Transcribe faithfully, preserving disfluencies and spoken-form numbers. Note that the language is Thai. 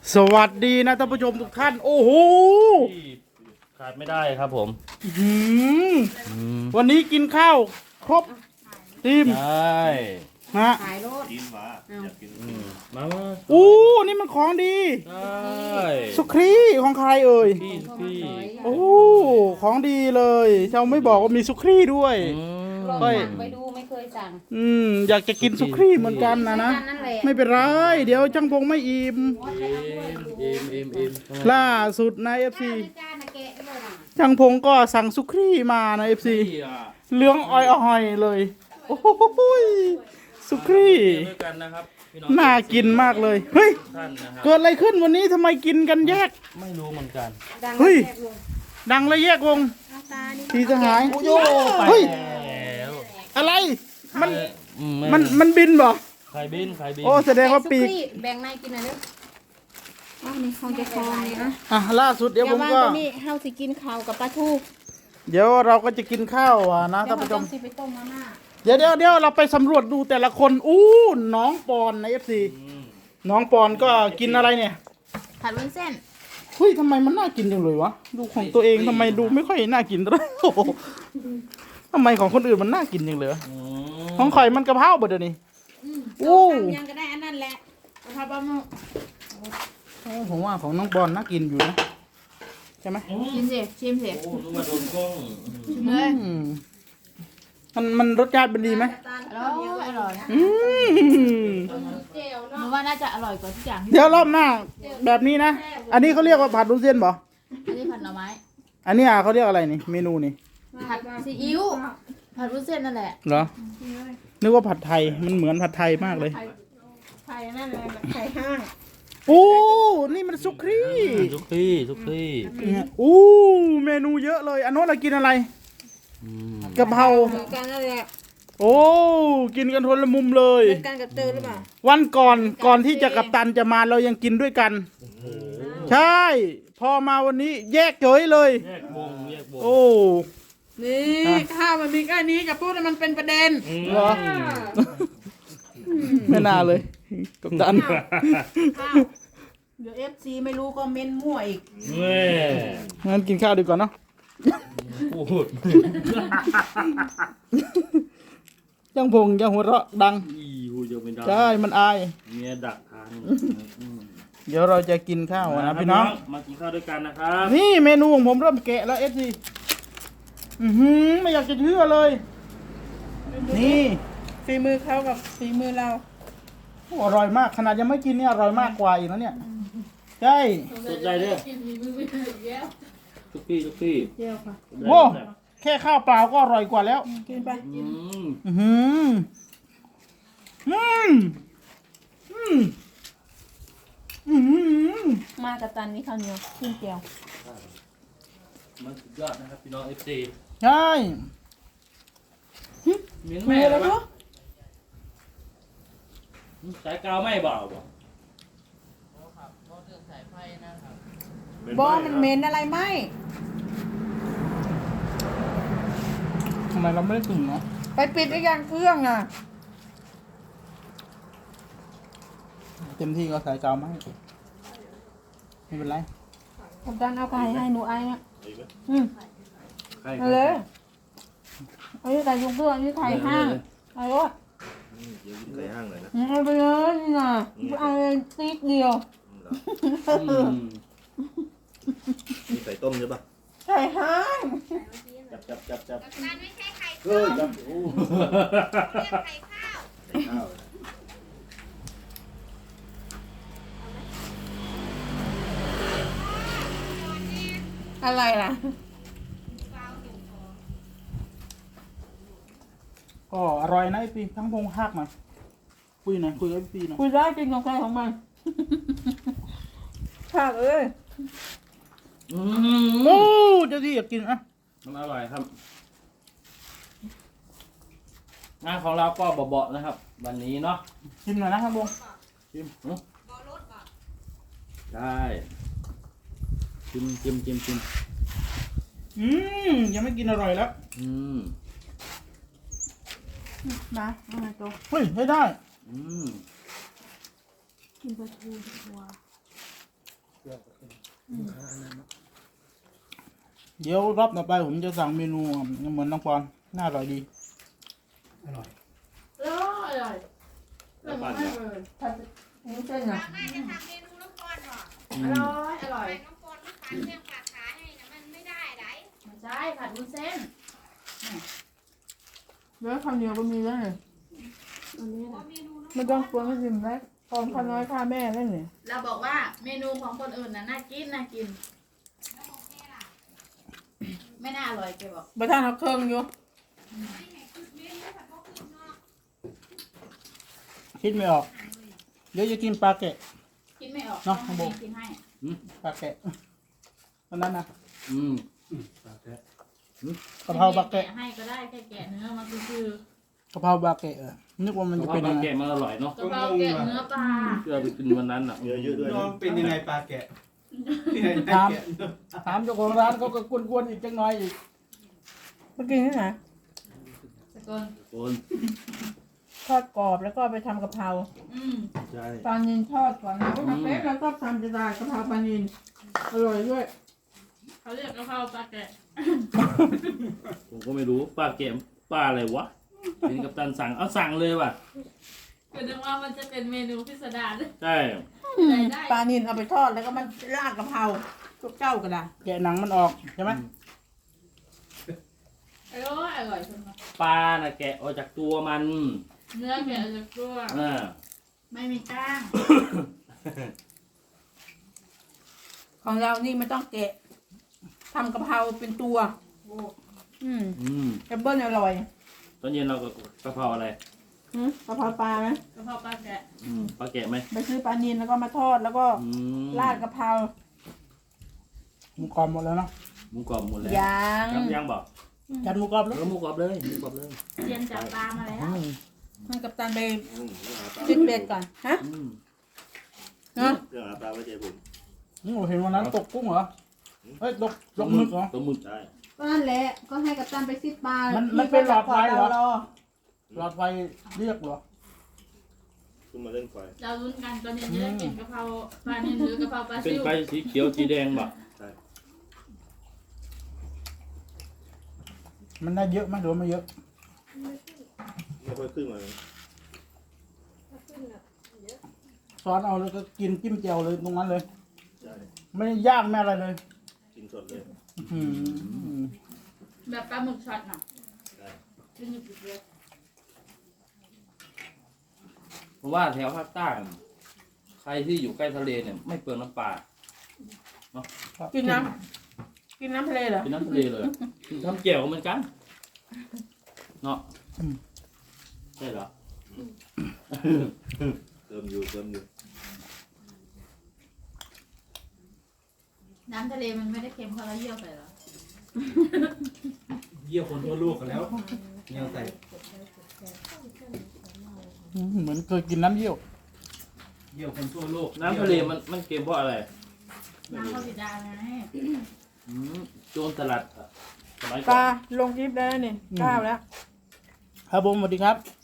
สวัสดีนะท่านผู้ชมทุกท่านโอ้โหที่ขาดไม่ได้ครับผมหืมวันนี้กินข้าวครบทีมใช่นะขายรถกินหวะอยากกินอืมมามาอู้นี่มันของดีใช่สุครีของใครเอ่ยพี่พี่โอ้ของดีเลยเจ้าไม่บอกว่ามีสุครีด้วยอืมลองค่อยสั่งไปดูไม่เคยสั่งอืมอยากจะกินสุครีเหมือนกันนะนะนั่นแหละไม่เป็นไรเดี๋ยวจังพงไม่อิ่มเอ็มเอ็มเอ็มล่าสุดในเอฟซีจ้านะแกะเลยนะจังพงก็สั่งสุครีมาในเอฟซีเหลืองอ่อยๆเลยโอ้โหสุครีด้วยกันนะครับพี่องน่ากินมากเลย เฮ้ยท่านนะครับเกิดอะไรขึ้นวันนี้ทำไมกินกันแยกไม่รู้เหมือนกันดังเฮ้ยแซ่บลงดังและแยกวงเอาตานี่ทีสหายโยไปเฮ้ยแล้วอะไร มันอืมัน มันบินบ่ใครบินใครบินโอ้แสดงว่าปีกสุกี้แบ่งในกินหน่อยเด้ออ้าวนี่เขาจะคลองนี่นะอ่ะล่าสุดเดี๋ยวผมก็อาตัวนี้เฮาสิกินข้าวกับปลาทูเดี๋ยวเราก็จะกินข้าวอ่ะนะเดี๋ยท่าวน เราผู้ชต้อมงสิไปต้มมาม่าเดี๋ยวเดี๋ยวเดี๋ยวเราไปสำรวจดูแต่ละคน อู้ น้องปอนในเอฟซีอืมน้องปอนก็กินอะไรเนี่ยผัดวุ้นเส้นเฮ้ยทำไมมันน่ากินจังเลยวะ ดูของตัวเองทำไมดูไม่ค่อยน่ากินเลยโอ้โหทำไมของคนอื่นมันน่ากินจังเลยวะอืของข่อยมันกะเพราบ่เดี๋ยวนี้อืมโอ้ต้มยำยังก็ได้อันนั้นแหละกะเพราปลาหมึกโอ้ผมว่าของน้องปอนน่ากินอยู่นะใช่ไหมอืมชิมสิชิมสิโอ้นึกว่าโดนกล้องชิมเลยอืมมันมันรสชาติเป็นดีไหมอร่อยอร่อยอืมหนูว่าน่าจะอร่อยกว่าทุกอย่างที่เดี๋ยวรอบหน้าแบบนี้นะ อันนี้เขาเรียกว่าผัดวุ้นเส้นบ่อันนี้ผัดหน่อไม้อันนี้อ่ะเขาเรียกอะไรนี่ เมนูนี่ผัดซีอิ๊วผัดวุ้นเส้นนั่นแหละเหรอ นึกว่าผัดไทย มันเหมือนผัดไทยมากเลยไข่นั่นแหละไข่ห้างโอ้ นี่มันซุกครีทุกที่ทุกที่เนี่ยโอ้เมนูเยอะเลย อันโน้นเรากินอะไรอืมกะเพราเหมือนกันนั่นแหละโอ้ กินกันคนละมุมเลยเหมือนกันกับเตอหรือเปล่าวันก่อนก่อนที่จะกัปตันจะมาเรายังกินด้วยกัน ใช่ พอมาวันนี้แยกเฉยเลยแยกวงแยกวงโอ้นี่ข้าวมันมีแค่นี้จะพูดให้มันเป็นประเด็นเหรอ ไม่น่าเลย กัปตันเดี๋ยวเอฟซีไม่รู้ก็เม้นมั่วอีกแม่งั้นกินข้าวดีกว่าเนาะพูดยังพงยังหัวเราะดังอีหูยังไม่ได้ใช่ มันอายเมียดักทางเดี๋ยวเราจะกินข้าวนะพี่น้องมากินข้าวด้วยกันนะครับนี่เมนูของผมเริ่มแกะแล้วเอฟซีอือหือไม่อยากจะเชื่อเลย นี่ฝีมือเขากับฝีมือเราโอ้อร่อยมาก ขนาดยังไม่กินเนี่ยอร่อยมากกว่าอีกแล้วเนี่ย ใช่สนใจเด้อทุกพี่ทุกพี่เจียวค่ะโว้แค่ข้าวเปล่าก็อร่อยกว่าแล้วกินไปอืมอือหืออืมอืมอืมมากับตันนี่ข้าวเหนียวขึ้นเจียวมันสุดยอดนะครับพี่น้องเอฟซีใช่มิ้นมีแม่อะไรแล้วรู้สายกาวไม่เบาบ่บอมันเหม็นอะไรไหมทำไมเราไม่ได้กึ่งเนาะไปปิดไอ้ยังเครื่องอ่ะเต็มที่ก็ใส่กาวมาให้ไม่เป็นไรกับตันเอาไก่ให้หนูไอ้เนี่ยอืมใครเอาเลยเอาไก่ยุงเครื่องนี่ไข่ห้างเอาเลยเดี๋ยวกินไก่ห้างหน่อยนะเอาไปเลยนี่นะเอาเลยติ๊กเดียวอืมมีไก่ต้มใช่ปะไก่ห้างจับจับจับจับมันไม่ใช่ไข่เออจับโอ้เรียกไข่ข้าวไก่ข้าวอะไรล่ะก็อร่อยนะไอปีทั้งพงหักหน่อยคุยหน่อยคุยกับไอปีหน่อยคุยได้จริงของใครของมันภาคเอ้ยอืโอ้มเจ้าที่อยากกินอ่ะมันอร่อยครับ งานของเราก็เบาๆนะครับ วันนี้เนาะชิมหน่อยนะทั้งพงชิมหึได้ชิมชิมชิมชิมอืมยังไม่กินอร่อยแล้วอืมมาเอามาโตเฮ้ยให้ได้อืมกินปลาทูดีกว่าเดี๋ยวรอบต่อไปผมจะสั่งเมนูเหมือนน้องปอนน่าอร่อยดีอร่อยอร่อยอร่อยมากเลยถ้านี่เส้นเราอ่ะน่าจะทำเมนูน้ำปอนหรออร่อยอร่อยไปน้ำปอนไม่ฝันเรื่องปากขาให้นะมันไม่ได้ไรไม่ใช่ผัดวุ้นเส้นเนื้อคำเดียวก็มีแล้วเนี่ยอันนี้โอ้นะเมนูน้ำไม่ต้องกลัวไม่ชิมแล้วตอนข้าน้อยข้าแม่แล้วเนี่ยเราบอกว่าเมนูของคนอื่นน่ะน่ากินน่ากินแล้วโอเคล่ะไม่น่าอร่อยแกบอกประธานเอาเครื่องอยู่ไม่ไหนคือเมนูผัดพวกคุณเนาะคิดไม่ออก เดี๋ยวจะกินปลาแกะกินไม่ออกเนาะต้องให้กินให้ปลาแกะตอนนั้นนะอืมกะเพราปลาแกะให้ก็ได้แค่แกะเนื้อมันคือกะเพราปลาแกะเออนึกว่ามันจะเป็นยังไงแกะมันอร่อยเนาะกะเพราแกะเนื้อปลาที่เราไปกินวันนั้นอ่ะเยอะเยอะด้วยน้องเป็นยังไงปลาแกะถามถามเจ้าของร้านเขาก็กวนๆอีกจังน้อยอีกเมื่อกี้นี่นะสกุลโอนทอดกรอบแล้วก็ไปทำกะเพราอืมใช่ปลานินทอดก่อนนะก็ทำเป๊ะแล้วก็ทำจะได้กะเพราปลานินอร่อยด้วยเขาเรียกกะเพราปลาแกะผมก็ไม่รู้ป้าแกะป้าอะไรวะเห็นกับตันสั่งเอาสั่งเลยว่ะก็นึกว่ามันจะเป็นเมนูพิสดารใช่ได้ได้ปลานินเอาไปทอดแล้วก็มันราดกะเพราทุกเจ้าก็ได้แกะหนังมันออกใช่ไหมอร่อยอร่อยจังเลยปลาน่ะแกะออกจากตัวมันเนื้อแกะจากตัวอ่าไม่มีกล้างของเรานี่ไม่ต้องแกะทำกะเพราเป็นตัว อืมอืมแอปเปิ้ลอร่อยตอนเย็นเราก็กะเพราอะไรหืมกะเพราปลาไหมกะเพราปลาแกะอืมปลาแกะไหมไปซื้อปลานินแล้วก็มาทอดแล้วก็อืมราดกะเพราหมูกรอบหมดแล้วเนาะหมูกรอบหมดแล้วยางครับยังบอกจัดหมูกรอบแล้วแล้วหมูกรอบเลยหมูกรอบเลยเรียนจับปลามาแล้วให้กัปตันไปอืมเรื่องหาปลาจิกเบ็ดก่อนฮะอืมเนาะเรื่องหาปลาไว้ใจผมนี่ผมเห็นวันนั้นตกกุ้งเหรอเฮ้ยตกตกหมึกเหรอตัวหมึกได้ก็นั่นแหละก็ให้กัปตันไปซิดปลามัมันมันเป็นหลอดไฟเหรอ หลอดไฟเรียกเหรอขึ้นมาเล่นไฟเราลุ้นกันตอนเย็นจะได้กินกะเพราปลาเนื้อหรือกะเพราปลาเป็นซิวไฟสีเขียวสีแดงบอกใช่มันได้เยอะไหมหรือว่าไม่เยอะไม่ค่อยขึ้นมาเลยซอสเอาแล้วก็กินจิ้มแจ่วเลยตรงนั้นเลยใช่ไม่ได้ย่างไม่อะไรเลยกินสดเลยอืมแบบปลาหมึกช็อตน่ะใช่กินหยุดๆเลยเพราะว่าแถวภาคใต้ใครที่อยู่ใกล้ทะเลเนี่ยไม่เปลืองน้ำปลากินน้ำกินน้ำทะเลเหรอกินน้ำทะเลเลยทำแจ่วเหมือนกันเนาะใช่เหรอเติมอยู่เติมอยู่น้ำทะเลมันไม่ได้เค็มเพราะเราเยี่ยวใส่หรอเยี่ยวคนทั่วโลกกันแล้วเงี้ยใส่อืมเหมือนเคยกินน้ำเยี่ยวเยี่ยวคนทั่วโลกน้ำทะเลมันมันเค็มเพราะอะไรน้ำข้าวสีดาไงอืมโจรสลัดอะสมัยปก่อลาน ลงคลิปแล้วนี่อืมก้าวแล้วครับผมสวัสดีครับ